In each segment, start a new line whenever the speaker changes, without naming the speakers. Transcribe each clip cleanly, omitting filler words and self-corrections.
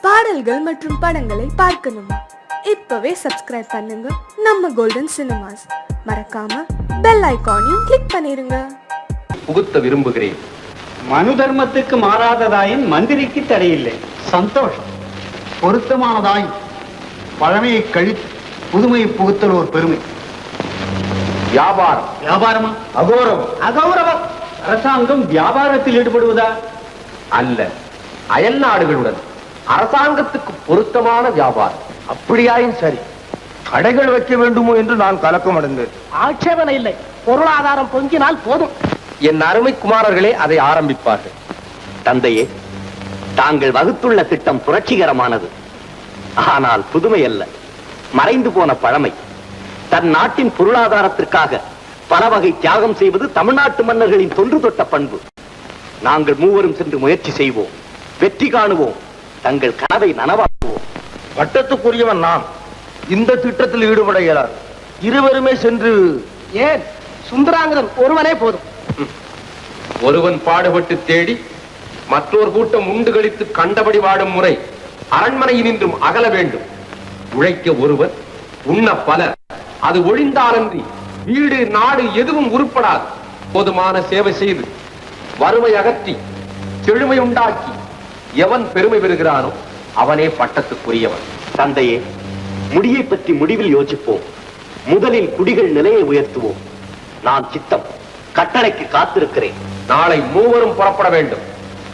பாடல்கள் மற்றும் படங்களை பார்க்கணுமா? இப்பவே சப்ஸ்கிரைப் பண்ணுங்க நம்ம கோல்டன் சினிமாஸ். மறக்காம பெல் ஐகானையும் கிளிக் பண்ணிருங்க.
புகுத்த விரும்புகிறேன்.
மனு தர்மத்துக்கு மாறாததாயின் மந்திரிக்கு தடையில்லை.
சந்தோஷம். பொருத்தமானதாய் பழமையை கழித்து புதுமையை புகுத்தல் ஒரு பெருமை.
வியாபாரம்.
வியாபாரமா?
அகௌரவம்.
அகௌரவம். அரசாங்கம் வியாபாரத்தில் ஈடுபடுவதா?
அல்ல, அயல் நாடுகளுடன் அரசாங்கத்துக்கு பொருத்தமான வியாபாரம்.
அப்படியாயும் சரி, கடைகள் வைக்க வேண்டுமோ என்று நான் கலக்கம் அடைந்தேன்.
ஆட்சேபனை இல்லை, பொருளாதாரம் பொங்கினால் போதும்.
என் அருமை குமாரர்களே அதை ஆரம்பிப்பார்கள்.
தந்தையே, தாங்கள் வகுத்துள்ள திட்டம் புரட்சிகரமானது. ஆனால் புதுமை அல்ல, மறைந்து போன பழமை. தன் நாட்டின் பொருளாதாரத்திற்காக பல வகை தியாகம் செய்வது தமிழ்நாட்டு மன்னர்களின் தொன்று தொட்ட பண்பு. நாங்கள் மூவரும் சென்று முயற்சி செய்வோம், வெற்றி காணுவோம், தங்கள் கனவை நனவாக்குவோம்.
பட்டத்துக்குரியவன் நான். இந்த திட்டத்தில் ஈடுபட இயலாது. இருவருமே சென்று.
ஏன், சுந்தராங்கதன் ஒருவனே போதும்.
ஒருவன் பாடுபட்டு தேடி மற்றொரு கூட்டம் உண்டு கழித்து கண்டபடி வாடும் முறை அரண்மனையினின்றும் அகல வேண்டும். உழைக்க ஒருவர், உண்ண பலர். அது ஒழிந்தாலன்றி வீடு நாடு எதுவும் உருப்படாது. போதுமான சேவை செய்து வறுமை அகற்றி செழுமை உண்டாக்கி எவன் பெருமை பெறுகிறானோ அவனே பட்டத்துக்குரியவன்.
தந்தையே, முடியை பற்றி முடிவில் யோசிப்போம். முதலில் குடிகள் நிலையை உயர்த்துவோம். நான் சித்தம், கட்டளைக்கு காத்திருக்கிறேன்.
நாளை மூவரும் புறப்பட வேண்டும்.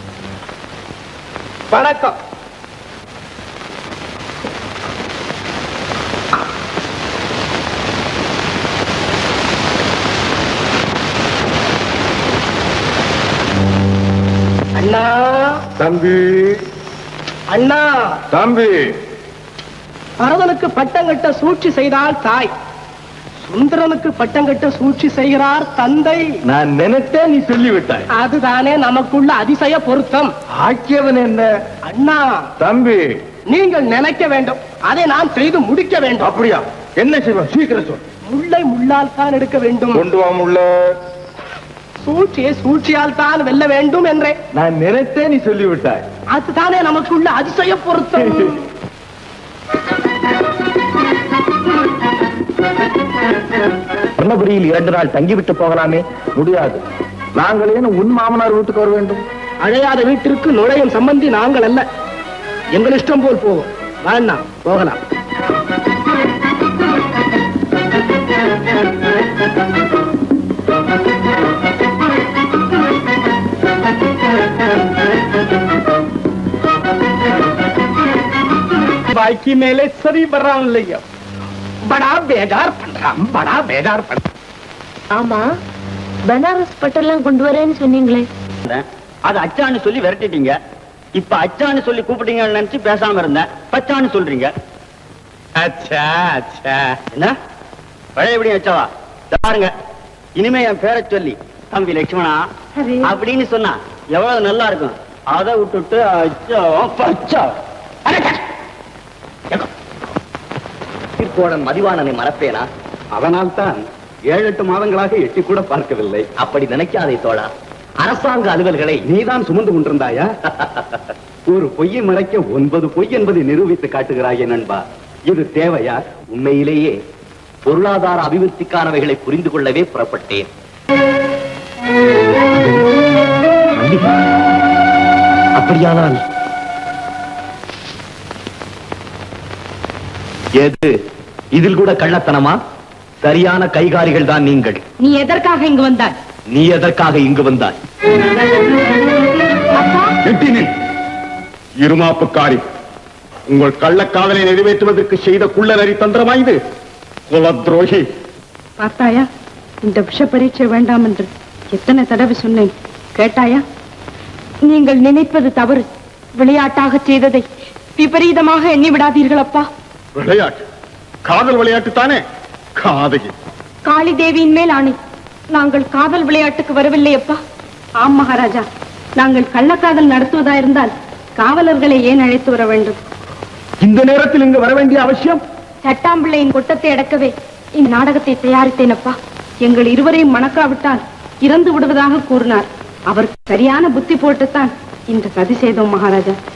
வணக்கம். அண்ணா.
தம்பி.
அண்ணா.
தம்பி.
பரதனுக்கு பட்டம் கட்ட சூழ்ச்சி செய்தால் தாய், சுந்தரனுக்கு பட்டம் கட்ட சூழ்ச்சி செய்கிறார் தந்தை.
நான் நினைத்தேன், நீ சொல்லிவிட்டாய்.
அதுதானே நமக்குள்ள அதிசய பொருத்தம்.
ஆக்கியவன் என்ன?
அண்ணா.
தம்பி.
நீங்கள் நினைக்க வேண்டும், அதை நான் செய்து முடிக்க வேண்டும்.
அப்படியா? என்ன செய்வோம்? சீக்கிரம் சொல்.
முள்ளை முள்ளால் தான் எடுக்க வேண்டும்.
கொண்டு வா முள்ள.
சூழ்ச்சியை சூழ்ச்சியால் தான் வெல்ல வேண்டும் என்றே
நான் நினைத்தேன், நீ சொல்லிவிட்டாய்.
அதுதானே நமக்குள்ள அதிசய பொருத்தம்.
சொன்னபடியில் 2 நாள் தங்கிவிட்டு போகலாமே? முடியாது. நாங்கள் ஏன் உன் மாமனார் வீட்டுக்கு வர வேண்டும்?
அழையாத வீட்டிற்கு நுழையும் சம்பந்தி நாங்கள் அல்ல. எங்கள் இஷ்டம் போல் போவோம். வேண்டாம், போகலாம். बाइकी मेले सरी बर्रान लिया, बड़ा बेजार पண்றான், बड़ा बेजार பண்றான்.
ஆமா, பனாரஸ் பட்டெல்லாம் கொண்டு வரேன்னு சொன்னீங்களே,
அது அச்சான்னு சொல்லி விரட்டிட்டீங்க. இப்ப அச்சான்னு சொல்லி கூப்பிட்டீங்கன்னு நினைச்சு பேசாம இருந்தேன். பச்சான்னு சொல்றீங்க.
அச்சா அச்சா.
என்ன பழைய எப்படி வச்சவா? பாருங்க, இனிமே என் பேரை சொல்லி தம்பி லட்சுமணா அப்படின்னு சொன்னா எவ்வளவு நல்லா இருக்கும். அதை விட்டுட்டு அச்சா பச்சா. கோடன் மதிவாணனை மறப்பேனா?
அதனால் தான் 7-8 மாதங்களாக எட்டி கூட பார்க்கவில்லை.
அப்படி நினைக்காதே தோழா. அரசாங்க அலுவல்களை
நீதான் சுமந்து கொண்டிருந்தாயா? ஒரு பொய்யை மறைக்க 9 பொய் என்பதை நிரூபித்து காட்டுகிறாயே நண்பா. இது தேவையா?
உண்மையிலேயே பொருளாதார அபிவிருத்திக்கானவைகளை புரிந்து கொள்ளவே புறப்பட்டேன். அப்படியானால் எது இதில் கூட கள்ளத்தனமா? சரியான கைகாரிகள் தான் நீங்கள்.
நீ எதற்காக இங்கு வந்தாய்?
நீ எதற்காக இங்கு வந்தாய்?
இருமாப்புக்காரி, உங்கள் கள்ளக்காதலை நிறைவேற்றுவதற்கு செய்த குள்ள நரி தந்திரமா இது? குலத்ரோகி.
பார்த்தாயா, இந்த விஷ பரீட்சை வேண்டாம் என்று எத்தனை தடவை சொன்னேன், கேட்டாயா? நீங்கள் நினைப்பது தவறு. விளையாட்டாக செய்ததை விபரீதமாக எண்ணி விடாதீர்கள் அப்பா.
விளையாட்டு? காதல் விளையாட்டு தானே? காதகி.
காளி தேவியின் மேல் ஆணை, நாங்கள் காதல் விளையாட்டுக்கு வரவில்லை அப்பா. ஆம் மகாராஜா, நாங்கள் கள்ளக்காதல் நடத்துவதாயிருந்தால் காவலர்களை ஏன் அழைத்து வர வேண்டும்?
இந்த நேரத்தில் இங்கு வர வேண்டிய அவசியம்?
சட்டாம்பிள்ளையின் கொட்டத்தை அடக்கவே இந்நாடகத்தை தயாரித்தேன் அப்பா. எங்கள் இருவரையும் மணக்காவிட்டால் இறந்து விடுவதாக கூறினார். அவர் சரியான புத்தி போட்டுத்தான் இந்த சதி செய்தோம் மகாராஜா.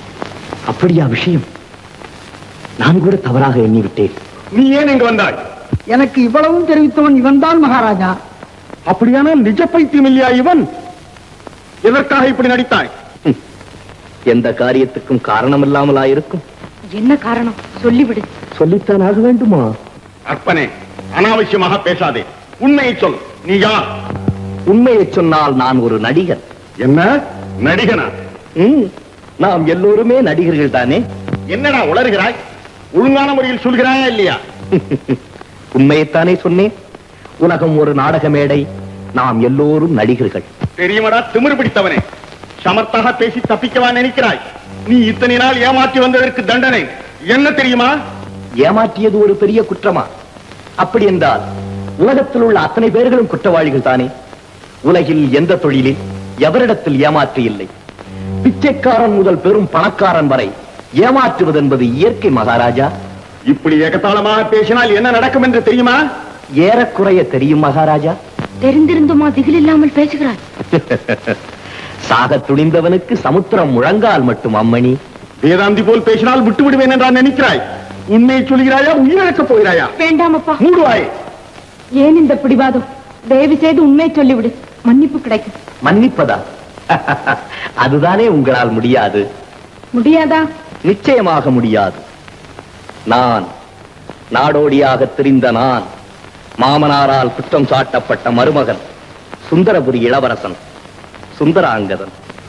அப்படியா விஷயம்? நான் கூட தவறாக எண்ணிவிட்டேன்.
நீ ஏன் இங்கு வந்தாய்?
எனக்கு இவ்வளவும் தெரிவித்தவன் இவன்தான் மகாராஜா.
அப்படியானால் நிஜ பைத்தியம் இல்லையா இவன்? எதற்காக இப்படி நடித்தாய்?
எந்த காரியத்துக்கும் காரணம் இல்லாமலா இருக்கும்?
என்ன காரணம் சொல்லிவிடு.
சொல்லித்தான் ஆக வேண்டுமா?
அற்பனே, அனாவசியமாக பேசாதே. உண்மையை சொல். நீ யார்?
உண்மையை சொன்னால் நான் ஒரு நடிகர்.
என்ன நடிகனா?
நாம் எல்லோருமே நடிகர்கள் தானே.
என்னடா உளறுகிறாய்? ஒழுங்கான முறையில் சொல்கிறாயா இல்லையா?
உண்மையைத்தானே சொன்னேன். உலகம் ஒரு நாடக மேடை, நாம் எல்லோரும் நடிகர்கள்.
தெரியுமடா திமிரு பிடித்தவனே, சமர்த்தாக பேசி தப்பிக்கவா நினைக்கிறாய்? நீ இத்தனை நாள் ஏமாற்றி வந்ததற்கு தண்டனை என்ன தெரியுமா?
ஏமாற்றியது ஒரு பெரிய குற்றமா? அப்படி என்றால் உலகத்தில் உள்ள அத்தனை பேர்களும் குற்றவாளிகள் தானே. உலகில் எந்த தொழிலில் எவரிடத்தில் ஏமாற்று இல்லை. பிச்சைக்காரன் முதல் பெரும் பணக்காரன் வரை ஏமாற்றுவது என்பது இயற்கை மகாராஜா.
இப்படி ஏகத்தாளமாக பேசினால் என்ன நடக்கும் என்று தெரியுமா?
ஏறக்குறைய தெரியும் மகாராஜா.
தெரிந்திருந்துமா திகில் இல்லாமல் பேசுகிறாய்?
சாக துணிந்தவனுக்கு சமுத்திரம் முழங்கால் மட்டும் அம்மணி.
வேதாந்தி போல் பேசினால் விட்டு விடுவேன் என்றால் நினைக்கிறாய்? உண்மையை சொல்கிறாயா, உயிரிழக்கப் போகிறாயா?
வேண்டாம் அப்பா.
மூடுவாய்.
ஏன் இந்த பிடிவாதம்? தயவு செய்து உண்மையை சொல்லிவிடு, மன்னிப்பு கிடைக்கும்.
மன்னிப்பதா? அதுதானே உங்களால் முடியாது.
முடியாதா?
நிச்சயமாக முடியாது. நான் நாடோடியாக திரிந்த நான், மாமனாரால் குற்றம் சாட்டப்பட்ட மருமகன், சுந்தரபுரி இளவரசன் சுந்தராங்கதன்.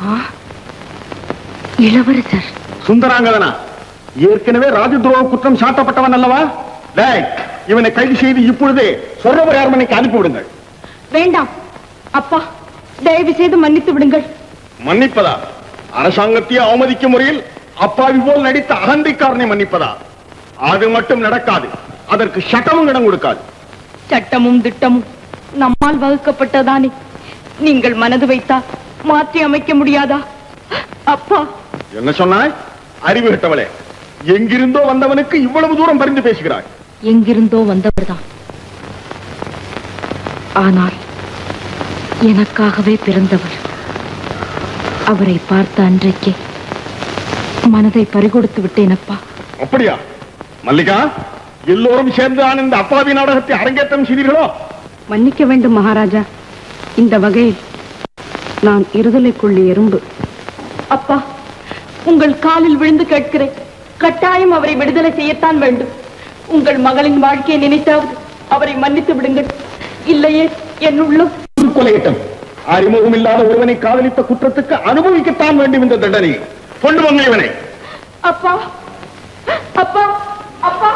இளவரசர்
சுந்தராங்கதனா? ஏற்கனவே ராஜதுரோக குற்றம் சாட்டப்பட்டவன் அல்லவா? இவனை கைது செய்து இப்பொழுதே சொர்ணபுரி அரண்மனைக்கு அனுப்பிவிடுங்கள்.
வேண்டாம் அப்பா, தயவு செய்து மன்னித்து விடுங்கள்.
மன்னிப்பதா? அரசாங்கத்தையே அவமதிக்கும் முறையில் அப்பாவி போல் நடித்த அகந்திக்காரனை மன்னிப்பதா? அது மட்டும் நடக்காது. அதற்கு சட்டமும் இடம் கொடுக்காது.
சட்டமும் திட்டமும் நம்மால் வகுக்கப்பட்டதானே. நீங்கள் மனது வைத்தா மாற்றி அமைக்க முடியாதா? அப்பா.
என்ன சொன்னாய்? அறிவு கட்டவளே, எங்கிருந்தோ வந்தவனுக்கு இவ்வளவு தூரம் பரிந்து பேசுகிறாய்.
எங்கிருந்தோ வந்தவர்தான், ஆனால் எனக்காகவே பிறந்தவர். அவரை பார்த்த அன்றைக்கே மனதை பறிகொடுத்து விட்டேன் அப்பா.
அப்படியா? மல்லிகா, எல்லோரும் சேர்ந்து இந்த அப்பாவி நாடகத்தை அரங்கேற்றம் செய்தீர்களோ?
மன்னிக்க வேண்டும் மகாராஜா. இந்த வகையில் நான் இருதலைக்குள்ளி எறும்பு. அப்பா, உங்கள் காலில் விழுந்து கேட்கிறேன், கட்டாயம் அவரை விடுதலை செய்யத்தான் வேண்டும். உங்கள் மகளின் வாழ்க்கையை நினைத்தாவது அவரை மன்னித்து விடுங்கள். இல்லையே என் உள்ளம்
கொலையிட்டம். அறிமுகம் இல்லாத ஒருவனை காதலித்த குற்றத்துக்கு அனுபவிக்கத்தான் வேண்டும் இந்த தண்டனை. கொண்டு வந்த இவனை.
அப்பா, அப்பா, அப்பா.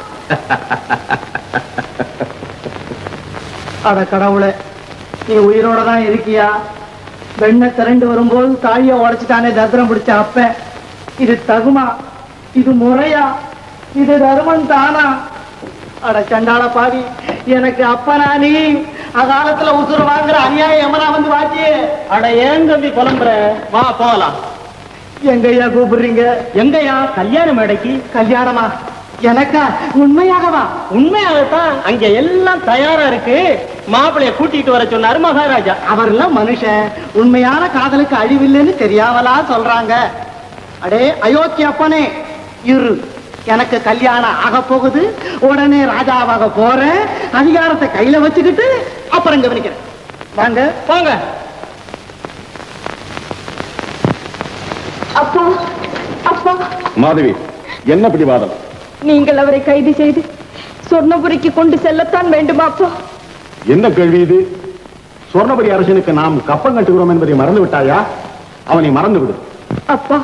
அட கடவுளே, நீ உயிரோட தான் இருக்கியா? வெண்ணை திரண்டு வரும்போது தாழிய உடைச்சிட்டானே தத்திரம் பிடிச்ச அப்ப. இது தகுமா? இது முறையா? இது தர்மம் தானா? அட சண்டாள பாவி, எனக்கு அப்பனா நீ? அகாலத்துல உசுறு வாங்குற அநியாயம் எமனா வந்து வாச்சி. அட ஏன் தம்பி புலம்புற? வா போகலாம். எங்கய்யா கூப்பிடுறீங்க? எங்கய்யா? கல்யாண மேடைக்கு. கல்யாணமா? எனக்கா? உண்மையாகவா? உண்மையாகத்தான். அங்க எல்லாம் தயாரா இருக்கு. மாப்பிளைய கூட்டிட்டு வர சொன்னாரு மகாராஜா. அவர்லாம் மனுஷன். உண்மையான காதலுக்கு அழிவில்லைன்னு தெரியாமலா சொல்றாங்க. அடே அயோத்தி அப்பனே, இரு, எனக்கு கல்யாணம் ஆக போகுது. உடனே ராஜாவாக போறேன். அதிகாரத்தை கையில வச்சுக்கிட்டு அப்புறம் கவனிக்கிறேன். வாங்க வாங்க.
அப்பா, அப்பா.
மாதவி, என்ன பிடிவாதம்?
நீங்கள் அவரை கைது செய்து சொர்ணபுரிக்கு கொண்டு செல்லத்தான் வேண்டுமா அப்பா?
என்ன கேள்வி இது? சொர்ணபுரி அரசனுக்கு நாம் கப்பம் கட்டுகிறோம் என்பதை மறந்து விட்டாயா? அவனை மறந்து விடு.
அப்பா,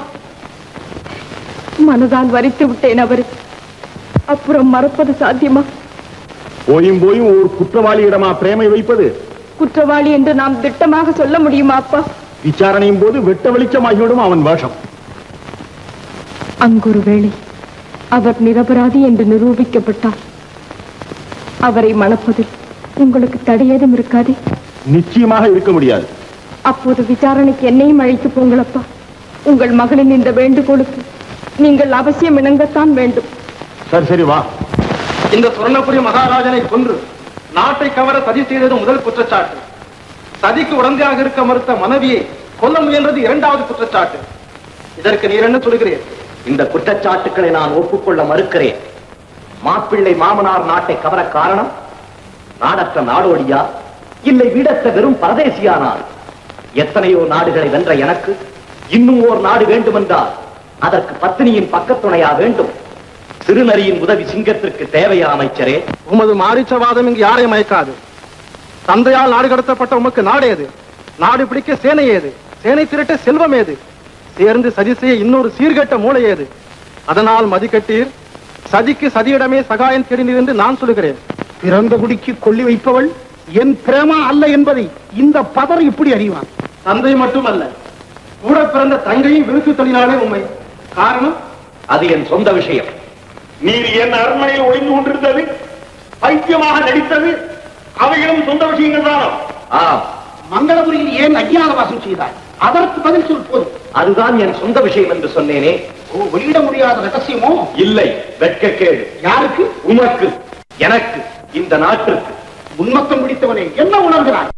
மனதால் வரித்து விட்டேன் அவரை. அப்புறம் மறப்பது சாத்தியமா?
போயும் போயும் ஒரு குற்றவாளியிடமா பிரேமை வைப்பது?
குற்றவாளி என்று நாம் திட்டமாக சொல்ல முடியுமா அப்பா?
விசாரணையும் போது வெட்ட வெளிச்சமாகிவிடும் அவன் வேஷம்.
அங்கொரு வேளை அவர் நிரபராதி என்று நிரூபிக்கப்பட்டார். அவரை மணப்பதில் உங்களுக்கு தடையேதும் இருக்காதே?
நிச்சயமாக இருக்க முடியாது.
அப்போது விசாரணைக்கு என்னையும் அழைத்து போங்களப்பா. உங்கள் மகளின் இந்த வேண்டுகோளுக்கு நீங்கள் அவசியம் இணங்கத்தான் வேண்டும்.
சரி சரி வா.
இந்த சுவர்ணபுரி மகாராஜனை கொன்று நாட்டை கவர சதி செய்தது முதல் குற்றச்சாட்டு. சதிக்கு உடந்தையாக இருக்க மறுத்த மனைவியை கொல்ல முயன்றது இரண்டாவது குற்றச்சாட்டு. இதற்கு நீர் என்ன சொல்கிறீர்?
இந்த குற்றச்சாட்டுக்களை நான் ஒப்புக்கொள்ள மறுக்கிறேன். மாப்பிள்ளை மாமனார் நாட்டை கவர காரணம் நாடற்ற நாடோடியா, இல்லை வீடற்ற வெறும் பரதேசியானார்? எத்தனையோ நாடுகளை வென்ற எனக்கு இன்னும் ஓர் நாடு வேண்டுமென்றால் அதற்கு பத்தினியின் பக்கத்துணையா வேண்டும். சிறுநரியின் உதவி சிங்கத்திற்கு தேவையா அமைச்சரே?
உமது மாரிச்சவாதம் இங்கு யாரையும் மயக்காது. தந்தையால் நாடு கடத்தப்பட்ட உமக்கு நாடு ஏது? நாடு பிடிக்க சேனை ஏது? சேனை திரட்ட செல்வம் ஏது? சேர்ந்து சதி செய்ய இன்னொரு சீர்கெட்ட மூளை ஏது? அதனால் மதிக்கட்டீர், சதிக்கு சதியிடமே சகாயம் தேடினீர் என்று நான் சொல்லுகிறேன்.
பிறந்த குடிக்கு கொள்ளி வைப்பவள் என் பிரேமா அல்ல என்பதை இந்த பதர் இப்படி அறிவான்.
தந்தை மட்டுமல்ல, கூட பிறந்த தங்கையும் விருத்து தொழிலாளே உண்மை. காரணம்
அது என் சொந்த விஷயம்.
நீர் என் அரண்மனையில் ஒளிந்து கொண்டிருந்தது, பைத்தியமாக நடித்தது, அவைகளும் சொந்த விஷயங்கள் தானோ?
ஆம்,
மங்களபுரியில் ஏன் அஞ்ஞான வாசம் செய்தாய்? அதற்கு பதில் சொல் போதும்.
அதுதான் என் சொந்த விஷயம் என்று சொன்னேனே.
வெளியிட முடியாத ரகசியமோ?
இல்லை, வெட்கக்கேடு.
யாருக்கு?
உமக்கு, எனக்கு, இந்த நாட்டிற்கு.
உன்மத்தம் பிடித்தவனே, என்ன உணர்கிறாய்?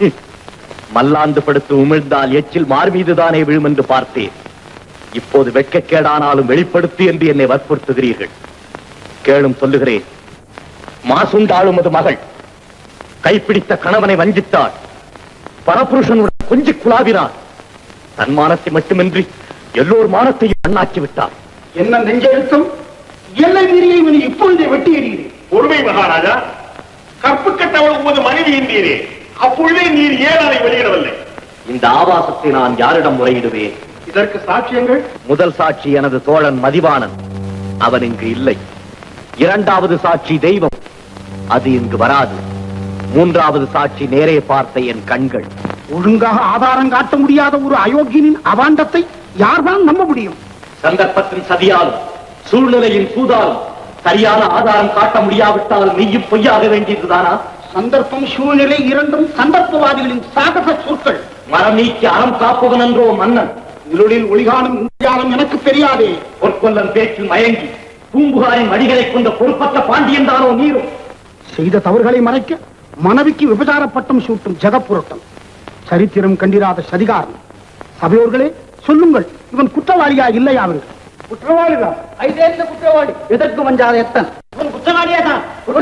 மல்லாந்து படுத்து உமிழ்ந்தால் எச்சில் மார் மீதுதானே விழும் என்று பார்த்தேன். இப்போது வெட்கக்கேடானாலும் வெளிப்படுத்து என்று என்னை வற்புறுத்துகிறீர்கள். கேளும் சொல்லுகிறேன். மாசுண்டாளும் அது மகள் கைப்பிடித்த கணவனை வஞ்சித்தாள். பரபுருஷனுடன் கொஞ்சி குழாவினார். தன் மானத்தை மட்டுமின்றி எல்லோர் மானத்தையும் அண்ணாக்கி விட்டார்.
என்ன நெஞ்செழுத்தம்! எல்லை மீறியை நீ இப்பொழுதே வெட்டி எறிகிறேன்.
பொறுமை மகாராஜா, கற்பு கட்டவள் உமது மனைவி என்றீரே, அப்பொழுதே நீர் ஏன் அதை வெளியிடவில்லை?
இந்த ஆபாசத்தை நான் யாரிடம் முறையிடுவேன்?
இதற்கு சாட்சியங்கள்?
முதல் சாட்சி எனது தோழன் மதிவாணன், அவன் இங்கு இல்லை. இரண்டாவது சாட்சி தெய்வம், அது இங்கு வராது. மூன்றாவது சாட்சி நேரே பார்த்த என் கண்கள்.
ஒழுங்காக ஆதாரம் காட்ட முடியாத ஒரு அயோக்கியனின் அவாண்டத்தை யார்தான் நம்ப முடியும்?
சந்தர்ப்பத்தின் சதியாலும் சூழ்நிலையின் சூதாலும் சரியான ஆதாரம் காட்ட முடியாவிட்டால் நீயும் பொய்யாக வேண்டியதுதானா?
சந்தர்ப்பம் சூழ்நிலை இரண்டும் சந்தர்ப்பவாதிகளின் சாகச சொற்கள்.
மரம் நீக்கி அறம் காப்பவன் என்றோ மன்னன்.
இருளில் ஒளிகாணும் இந்தியாலம் எனக்கு தெரியாதே.
பொற்கொல்லன் பேச்சில் மயங்கி பூம்புகாரின் வடிகளை கொண்ட பொறுப்பற்ற பாண்டியன் தானோ நீரும்?
செய்த தவறுகளை மறைக்க மனைவிக்கு விபச்சார பட்டம் சூட்டும் ஜெகப்புரட்டம், சரித்திரம் கண்டிராத சதிகாரம். சபையோர்களே, சொல்லுங்கள், இவன் குற்றவாளியா இல்லையா? அவர்கள்
குற்றவாளிதான். ஐதேந்த குற்றவாளி. எதற்கு வஞ்சாத எத்தன்? இவன் குற்றவாளியா தான்.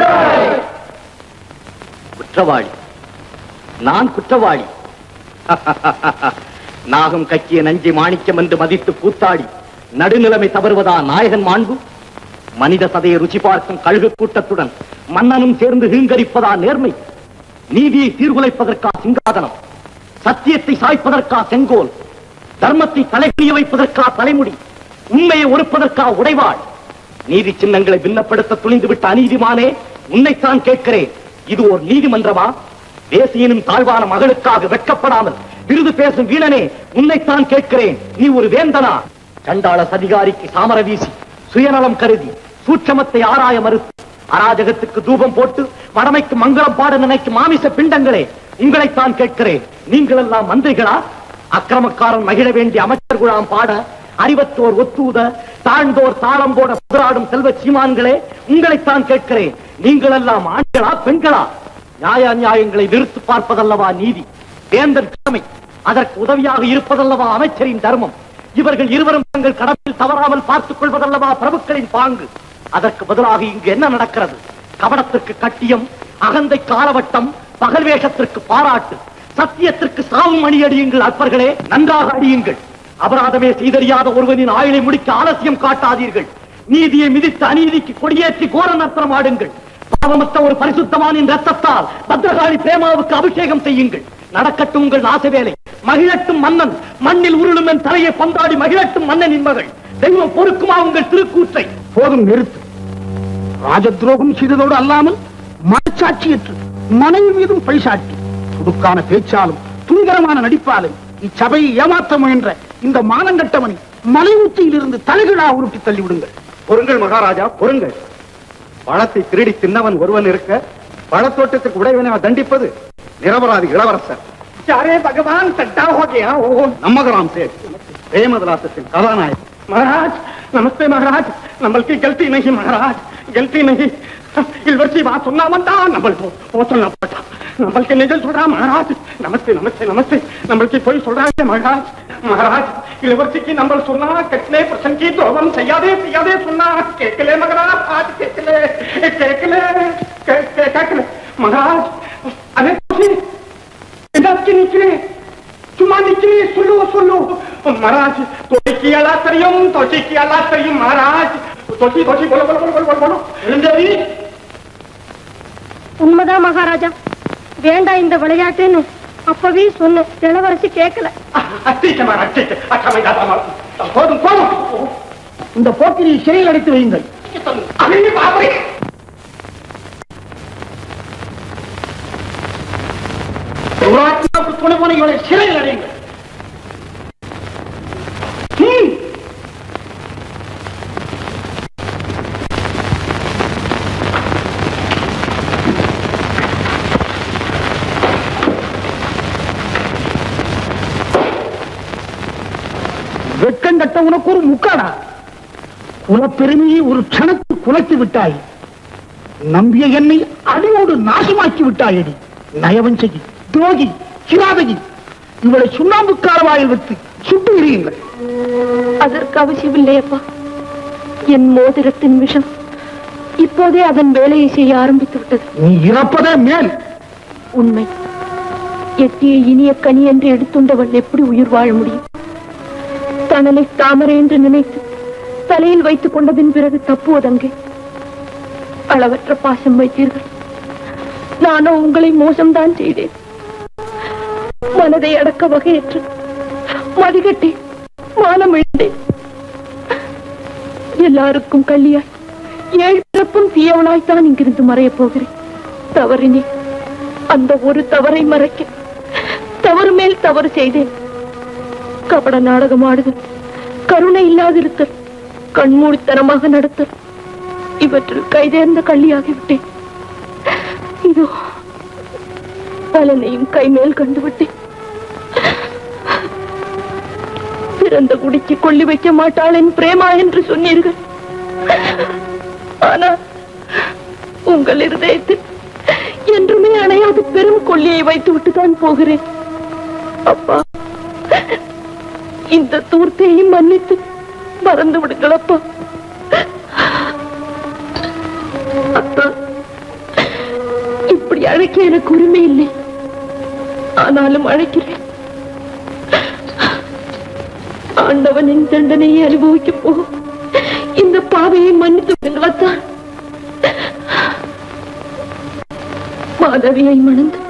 குற்றவாளி? நான் குற்றவாளி? நாகம் கக்கிய நஞ்சை மாணிக்கம் என்று மதித்து கூத்தாடி நடுநிலைமை தவறுவதா நாயகன் மாண்பு? மனித சதையை ருச்சி பார்க்கும் கழுகு கூட்டத்துடன் மன்னனும் சேர்ந்து ஹீங்கரிப்பதா நேர்மை? நீதியை சீர்குலைப்பதற்கா சிங்காதனம்? சத்தியத்தை சாய்ப்பதற்கா செங்கோல்? தர்மத்தை தலைக்குரிய வைப்பதற்கா தலைமுடி? உண்மையை ஒருப்பதற்கா உடைவாள்? நீதி சின்னங்களை பின்னப்படுத்த துணிந்துவிட்ட அநீதிமானே, உன்னைத்தான் கேட்கிறேன். இது ஒரு நீதிமன்றமா? தேசியனும் தாழ்வான மகளுக்காக வெட்கப்படாமல் விருது பேசும் வீணனே, உன்னைத்தான் கேட்கிறேன். நீ ஒரு வேந்தனா? சண்டாள சதிகாரிக்கு சாமர வீசி சுயநலம் கருதி சூட்சமத்தை ஆராய மறுத்து அராஜகத்துக்கு தூபம் போட்டு வடமைக்கு மங்களம் பாட நினைக்கும் மாமிச பிண்டங்களே, உங்களைத்தான் கேட்கிறேன். நீங்கள் எல்லாம் மந்திரிகளா? அக்கிரமக்காரன் மகிழ வேண்டிய அமைச்சர் குழாம் பாட, அறிவத்தோர் ஒத்தூத, தாழ்ந்தோர் தாளம் போட புதராடும் செல்வ சீமான்களே, உங்களைத்தான் கேட்கிறேன். நீங்கள் எல்லாம் ஆண்களா பெண்களா? நியாய நியாயங்களை நிறுத்து பார்ப்பதல்லவா நீதி? வேந்தன் கடமை, அதற்கு உதவியாக இருப்பதல்லவா அமைச்சரின் தர்மம்? இவர்கள் இருவரும் தங்கள் கடமையில் தவறாமல் பார்த்துக் கொள்வதல்லவா பிரபுக்களின் பாங்கு? அதற்கு பதிலாக இங்கு என்ன நடக்கிறது? கபடத்திற்கு கட்டியம், அகந்தை காலவட்டம், பகல் வேஷத்திற்கு பாராட்டு, சத்தியத்திற்கு சாவும் அணி அடியுங்கள். அற்பர்களே, நன்றாக அடியுங்கள். அபராதமே செய்தறியாத ஒருவனின் ஆயுளை முடிக்க ஆலசியம் காட்டாதீர்கள். நீதியை மிதித்து அநீதிக்கு கொடியேற்றி கோர நர்த்தனம் ஆடுங்கள். பாவமற்ற ஒரு பரிசுத்தமானின் ரத்தத்தால் பத்ரகாளி பிரேமாவுக்கு அபிஷேகம் செய்யுங்கள். நடக்கட்டும் உங்கள் ஆசை வேலை. மகிழட்டும் மன்னன், மண்ணில் உருளும் என் தலையை பந்தாடி மகிழட்டும் மன்னனின் மகள். தெய்வம் பொறுக்குமா உங்கள் திருக்கூற்றை?
போதும், நிறுத்து. ராஜ துரோகம் செய்ததோடு அல்லாமல் மனச்சாட்சியற்று மனைவி மீதும் பைசாட்டி துடுக்கான பேச்சாலும் துணிகரமான நடிப்பாலும் இச்சபையை ஏமாற்ற முயன்ற இந்த மானங்கட்டவனை மலை உச்சியில் இருந்து தலைகீழா உருட்டி தள்ளிவிடுங்கள்.
பொறுங்கள் மகாராஜா, பொறுங்கள். பழத்தை திருடி தின்னவன் ஒருவன் இருக்க பழத்தோட்டத்துக்கு உடையவனை தண்டிப்பது நிரபராதி இளவரசர்.
அரே பகவான், சட்டா ஹோ கயா.
நம்மகராம் சேட், பிரேமதலாசத்தின் கதாநாயகன்.
महाराज नमस्ते महाराज, नंबल की गलती नहीं महाराज, गलती नहीं. इलवर्सी बात सुनना बनता, नंबल वो सुनना पड़ता. नंबल के निजल सुन रहा महाराज. नमस्ते नमस्ते नमस्ते, नंबल की कोई सुन रहा है महाराज. महाराज इलवर्सी की नंबर सुना कितने प्रश्न की तो हम सयादे सुना केकले मगरा आज केकले महाराज अरे की निकले चुमा निकली सुल्लू महाराज तोची की अलातरियम महाराज तोची बोलो देवी
உண்மைதான் மகாராஜா, வேண்டாம் இந்த விளையாட்டுன்னு அப்பவே சொன்ன இளவரசி கேட்கல.
போதும்
இந்த போக்கிரியை சிறையில் அடைத்து வையுங்கள். துணை போன இவளை சிறையில் அடையுங்கள். வெட்கம் கட்ட உனக்கு ஒரு முக்காடா, குலப்பெருமையை ஒரு க்ஷணத்தில் குலைத்து விட்டாய். நம்பிய என்னை அடியோடு நாசமாக்கி விட்டாயடி. நயவஞ்சகி, துரோகி, கிராதகி, இவளை சுண்ணாம்புக்கார வாயில் வைத்து சுட்டு எறியுங்கள்.
அதற்கு அவசியமில்லை அப்பா. என் மோதிரத்தின் விஷம் இப்போதே அதன் வேலையை செய்ய ஆரம்பித்து விட்டது.
நீ இறப்பதே மேல்.
உண்மை. எட்டிய இனிய கனி என்று எடுத்துண்டவள் எப்படி உயிர் வாழ முடியும்? தனனை தாமரை என்று நினைத்து தலையில் வைத்துக் கொண்டதின் பிறகு தப்புவதங்கே. அளவற்ற பாசம் வைத்தீர்கள். நானோ உங்களை மோசம்தான் செய்தேன். மனதை அடக்க வகையற்று மதிகட்டி மானம் இழந்தேன். எல்லாருக்கும் கல்லியாய் ஏழு பிறப்பும் தீயவனாய்த்தான் இங்கிருந்து மறையப் போகிறேன். தவறினேன். அந்த ஒரு தவறை மறைக்க தவறு மேல் தவறு செய்தேன். கபட நாடகம் ஆடுதல், கருணை இல்லாதிருத்தல், கண்மூடித்தனமாக நடத்தல், இவற்றில் கைதேர்ந்த கள்ளியாகிவிட்டேன். இதோ பலனையும் கைமேல் கண்டுவிட்டேன். பிறந்த குடிக்கு கொள்ளி வைக்க மாட்டாள் என் பிரேமா என்று சொன்னீர்கள். ஆனால் உங்கள் இருதயத்தில் என்றுமே அணையாது பெரும் கொள்ளியை வைத்து விட்டுதான் போகிறேன். அப்பா, இந்த தூர்த்தையும் மன்னித்து மறந்து விடுங்கள் அப்பா. அப்பா, இப்படி அழைக்க எனக்கு உரிமை இல்லை. ஆனாலும் அழைக்கிறேன். ஆண்டவனின் தண்டனையை அனுபவிக்க போகும் இந்த பாவையை மன்னித்து விடுங்களத்தான். மாதவியை மணந்து